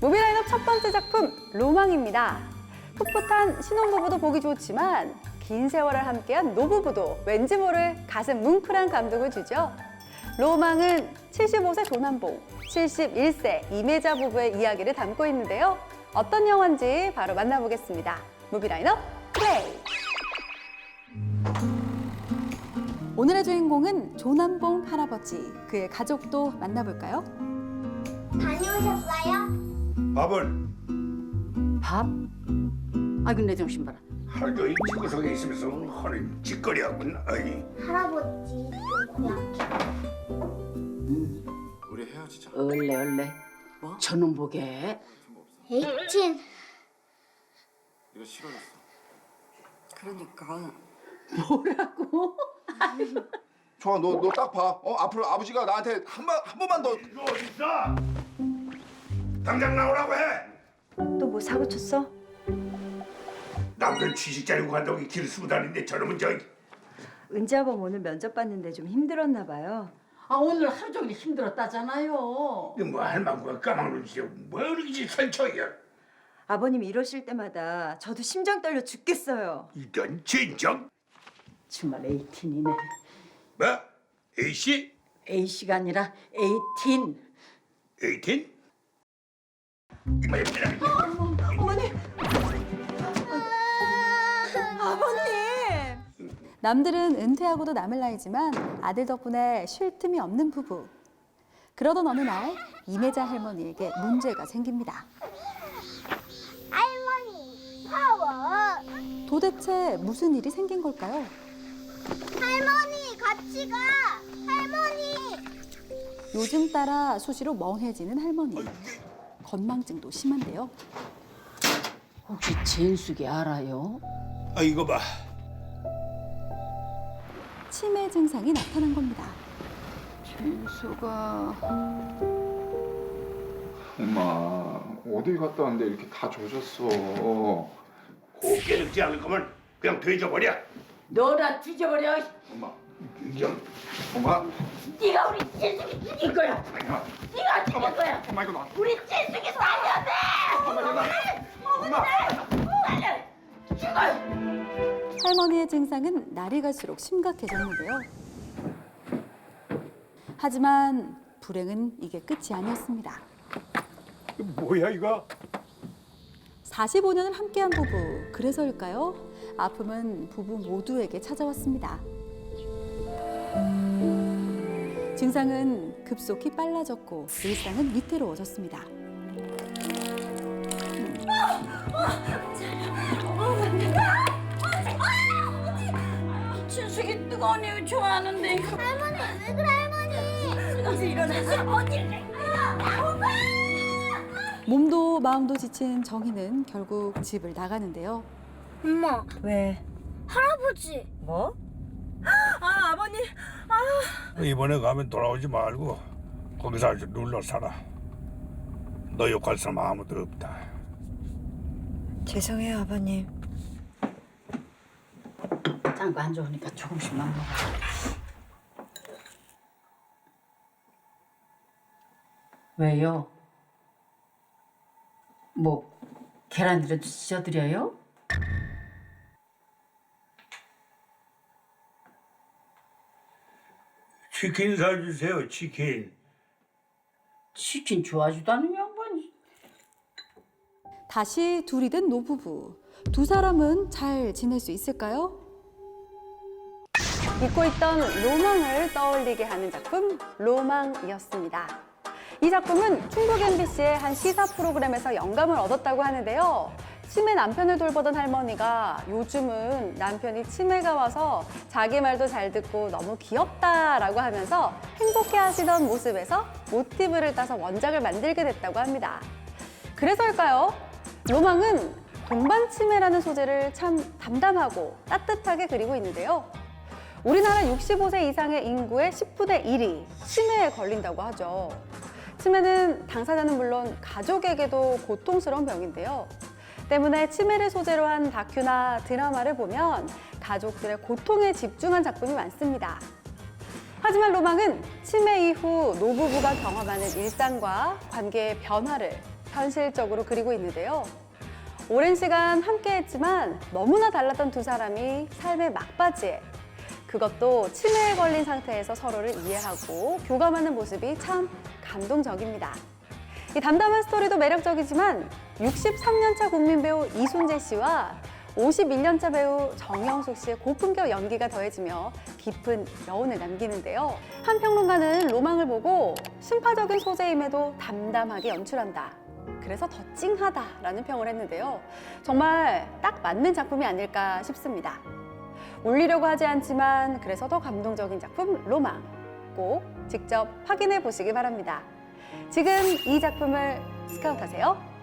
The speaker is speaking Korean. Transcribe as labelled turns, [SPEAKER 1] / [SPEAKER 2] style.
[SPEAKER 1] 무비라인업 첫 번째 작품 로망입니다. 풋풋한 신혼부부도 보기 좋지만 긴 세월을 함께한 노부부도 왠지 모를 가슴 뭉클한 감동을 주죠. 로망은 75세 조남봉, 71세 이매자 부부의 이야기를 담고 있는데요. 어떤 영화인지 바로 만나보겠습니다. 무비라인업 플레이! 오늘의 주인공은 조남봉 할아버지, 그의 가족도 만나볼까요?
[SPEAKER 2] 다녀오셨어요?
[SPEAKER 3] 밥을
[SPEAKER 4] 밥? 아 근데 정신 봐라.
[SPEAKER 3] 하루 종일 집구석에 있으면서 허리 찌꺼리하군. 아이.
[SPEAKER 2] 할아버지 좀 고약해.
[SPEAKER 5] 우리 헤어지자.
[SPEAKER 4] 얼레 뭐? 저놈 보게.
[SPEAKER 2] 에이틴.
[SPEAKER 5] 네가 싫어졌어.
[SPEAKER 4] 그러니까 뭐라고?
[SPEAKER 5] 좋아, 너 딱 봐. 앞으로 아버지가 나한테 한 번만 더.
[SPEAKER 3] 너 어디 있어? 당장 나오라고 해.
[SPEAKER 1] 또 뭐 사고 쳤어?
[SPEAKER 3] 남들 취직 자리고 간다고 길 쓰고 다니는데 저놈은
[SPEAKER 6] 은지 아범 오늘 면접 봤는데 좀 힘들었나 봐요.
[SPEAKER 4] 아 오늘 하루 종일 힘들었다잖아요.
[SPEAKER 3] 뭐 할망구가 까막눈치야. 뭐 이렇게 설쳐야.
[SPEAKER 6] 아버님 이러실 때마다 저도 심장 떨려 죽겠어요.
[SPEAKER 3] 이런 진정.
[SPEAKER 4] 정말 에이틴이네.
[SPEAKER 3] 뭐? A씨?
[SPEAKER 4] A씨가 아니라 에이틴.
[SPEAKER 3] 18? 이마에
[SPEAKER 6] 어머니! 아버님!
[SPEAKER 1] 남들은 은퇴하고도 남을 나이지만 아들 덕분에 쉴 틈이 없는 부부. 그러던 어느 날 이매자 할머니에게 문제가 생깁니다.
[SPEAKER 2] 할머니 파워.
[SPEAKER 1] 도대체 무슨 일이 생긴 걸까요?
[SPEAKER 2] 할머니 같이 가. 할머니.
[SPEAKER 1] 요즘 따라 수시로 멍해지는 할머니. 건망증도 심한데요.
[SPEAKER 4] 혹시 진숙이 알아요?
[SPEAKER 3] 아 이거 봐.
[SPEAKER 1] 치매 증상이 나타난 겁니다.
[SPEAKER 4] 진숙아.
[SPEAKER 5] 엄마, 어디 갔다 왔는데 이렇게 다 조졌어.
[SPEAKER 3] 곱게 늙지 않을 거면 그냥 돼져버려.
[SPEAKER 4] 너나 뒤져버려.
[SPEAKER 5] 엄마,
[SPEAKER 3] 이런.
[SPEAKER 5] 엄마.
[SPEAKER 4] 네가 우리 진숙이 죽인 거야. 네가 죽인 거야.
[SPEAKER 5] 엄마 이거 놔.
[SPEAKER 4] 우리 진숙이 살려내.
[SPEAKER 5] 엄마 이거 놔. 엄마.
[SPEAKER 4] 죽어.
[SPEAKER 1] 할머니의 증상은 날이 갈수록 심각해졌는데요. 하지만 불행은 이게 끝이 아니었습니다.
[SPEAKER 3] 뭐야 이거?
[SPEAKER 1] 45년을 함께한 부부, 그래서일까요? 아픔은 부부 모두에게 찾아왔습니다. 증상은 급속히 빨라졌고 일상은 위태로워졌습니다.
[SPEAKER 4] 진숙이 뜨거운 우유 좋아하는데.
[SPEAKER 2] 할머니 왜 그래 할머니?
[SPEAKER 4] 어디 일어나서 어디를?
[SPEAKER 1] 몸도 마음도 지친 정희는 결국 집을 나가는데요.
[SPEAKER 2] 엄마
[SPEAKER 6] 왜?
[SPEAKER 2] 할아버지.
[SPEAKER 6] 뭐? 아, 아버님!
[SPEAKER 3] 이번에 가면 돌아오지 말고 거기서 아주 눌러 살아. 너 욕할 사람 아무도 없다.
[SPEAKER 6] 죄송해요, 아버님.
[SPEAKER 4] 딴 거 안 좋으니까 조금씩만 먹어. 왜요? 뭐 계란이라도 찢어드려요?
[SPEAKER 3] 치킨 사주세요. 치킨.
[SPEAKER 4] 치킨 좋아하지도 않는 양반이.
[SPEAKER 1] 다시 둘이 된 노부부. 두 사람은 잘 지낼 수 있을까요? 잊고 있던 로망을 떠올리게 하는 작품 로망이었습니다. 이 작품은 충북 MBC의 한 시사 프로그램에서 영감을 얻었다고 하는데요. 치매 남편을 돌보던 할머니가 요즘은 남편이 치매가 와서 자기 말도 잘 듣고 너무 귀엽다라고 하면서 행복해하시던 모습에서 모티브를 따서 원작을 만들게 됐다고 합니다. 그래서일까요? 로망은 동반 치매라는 소재를 참 담담하고 따뜻하게 그리고 있는데요. 우리나라 65세 이상의 인구의 10분의 1이 치매에 걸린다고 하죠. 치매는 당사자는 물론 가족에게도 고통스러운 병인데요. 때문에 치매를 소재로 한 다큐나 드라마를 보면 가족들의 고통에 집중한 작품이 많습니다. 하지만 로망은 치매 이후 노부부가 경험하는 일상과 관계의 변화를 현실적으로 그리고 있는데요. 오랜 시간 함께했지만 너무나 달랐던 두 사람이 삶의 막바지에, 그것도 치매에 걸린 상태에서 서로를 이해하고 교감하는 모습이 참 감동적입니다. 이 담담한 스토리도 매력적이지만 63년차 국민 배우 이순재 씨와 51년차 배우 정영숙 씨의 고품격 연기가 더해지며 깊은 여운을 남기는데요. 한 평론가는 로망을 보고 심파적인 소재임에도 담담하게 연출한다. 그래서 더 찡하다라는 평을 했는데요. 정말 딱 맞는 작품이 아닐까 싶습니다. 울리려고 하지 않지만 그래서 더 감동적인 작품 로망. 꼭 직접 확인해 보시기 바랍니다. 지금 이 작품을 스카웃하세요.